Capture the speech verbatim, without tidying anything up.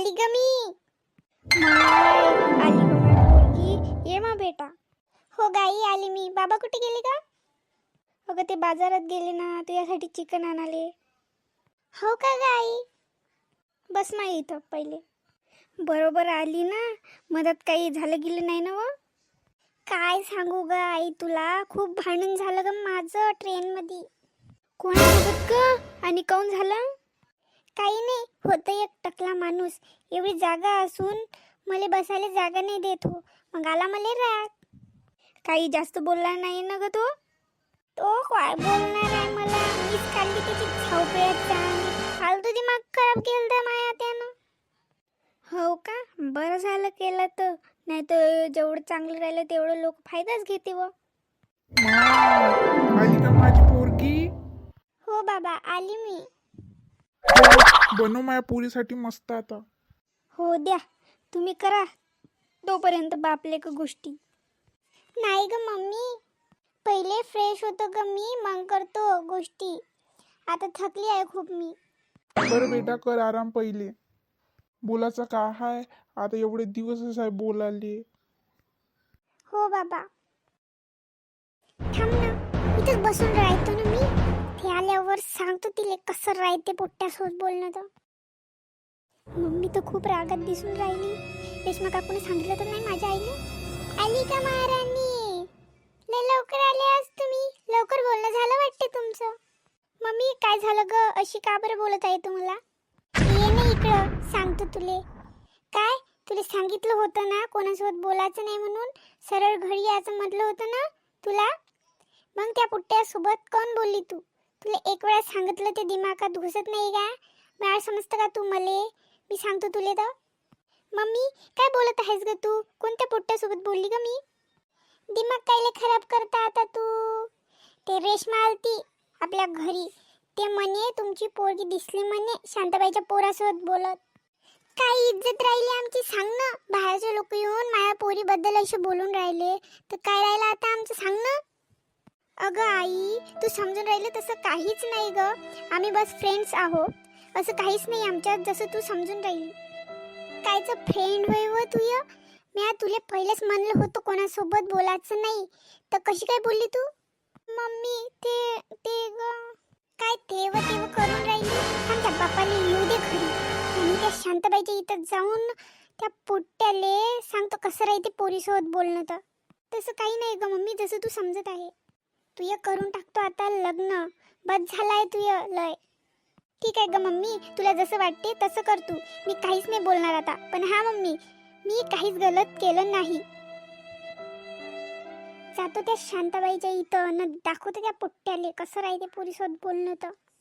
आली ग मी. माय आली ग माय पोरगी. ये मा बेटा. हो गाई आली मी. बाबा कुठे गेले का? अगं ते बाजारात गेले ना, तुझ्यासाठी चिकन आणाले. हो का गाई? बस मा इथं पहिले. बरोबर आली ना. मदत काही झालं गेलं नाही ना? व काय सांगू ग आई तुला, खूप भांडण झालं ग माझं ट्रेनमध्ये. कोणासोबत ग? आणि काऊन झालं? काही नाही, होतं एक टकला माणूस. एवढी जागा असून मला बसायला जागा नाही देत हो. मग आला मला राग. काही जास्त बोलला नाही ना ग तो? तो काय बोलणार आहे मला. मीच काढली त्याची छावपेत चांगली. फालतू दिमाग खराब केलं माया त्यानं. हो का? बरं झालं केलं तर. नाही तर जेवढं चांगलं राहिलं तेवढं लोक फायदाच घेते. व आली का माझी पोरगी? हो बाबा आली मी. बनव माझ्या पोरीसाठी मस्त आता. हो द्या, तुम्ही करा तोपर्यंत बापले का गोष्टी. नाही ग मम्मी, पहिले फ्रेश होतो ग मी, मग करतो गोष्टी. आता थकली आहे खूप मी. बरं बेटा कर आराम पहिले. बोलायचं का हाय, आता एवढे दिवसच आहे बोलाले. हो बाबा. थांब ना, इथंच बसून राहतो ना मी. ते आल्यावर सांगतो तिले कसं राहते पोट्ट्यासोबत बोलणं तर. मम्मी तर खूप रागात दिसून राहिली. रेश्मा काकूने सांगितलं तर नाही माझ्या आईने? आली का महाराणी? लय लवकर आले आज तुम्ही. लवकर बोलणं झालं वाटते तुमचं. मम्मी काय झालं ग, अशी का बरं बोलत आहे तुम्हाला? ये ना इकडं, सांगतो तुले. काय तुला सांगितलं होतं ना कोणासोबत बोलायचं नाही म्हणून. सरळ घरी यायचं म्हटलं होतं ना तुला. मग त्या पुट्ट्यासोबत कोण बोलली तू? तुला एक वेळा सांगितलं ते दिमागात घुसत नाही का? मला समजतं का तू मले? मी सांगतो तुले तर. मम्मी काय बोलत आहेस ग तू? कोणत्या पुट्ट्यासोबत बोलली ग मी? दिमाग कायले खराब करता आता तू? ते रेश्मा आलती आपल्या घरी. ते म्हणे तुमची पोरगी दिसली म्हणे शांताबाईच्या पोरासोबत बोलत. काय इज्जत राहिली आमची सांग ना. बाहेरचे लोक येऊन माझ्या पोरीबद्दल असे बोलून राहिले तर काय राहिलं आता आमचं सांग ना. अगं आई, तू समजून राहिले तसं काहीच नाही ग. आम्ही बस फ्रेंड्स आहोत. असं काहीच नाही आमच्यात जसं तू समजून राहिली. कायचं फ्रेंड होय व तुय? मी तुला पहिलेच म्हणलं होतं कोणासोबत बोलायचं नाही, तर कशी काय बोलली तू? मम्मी ते ते ग. काय तेव तेव करून राहिली? आमच्या बापाला येऊ दे घरी. आणि त्या शांताबाईच्या इथं जाऊन त्या पोट्ट्याले सांगतो कसं राहते पोरीसोबत बोलणं तर. तसं काही नाही ग मम्मी, जसं तू समजत आहे. तुय करून टाकतो आता लग्न. बस झालाय तुय लय. ठीक आहे ग मम्मी, तुला जसं वाटते तसं कर तू. मी काहीच नाही बोलणार आता. पण हा मम्मी, मी काहीच गलत केलं नाही. जातो त्या शांताबाईच्या इथं न दाखवतो त्या पोट्ट्याले कसं राहते पोरीसोबत बोलणं तर.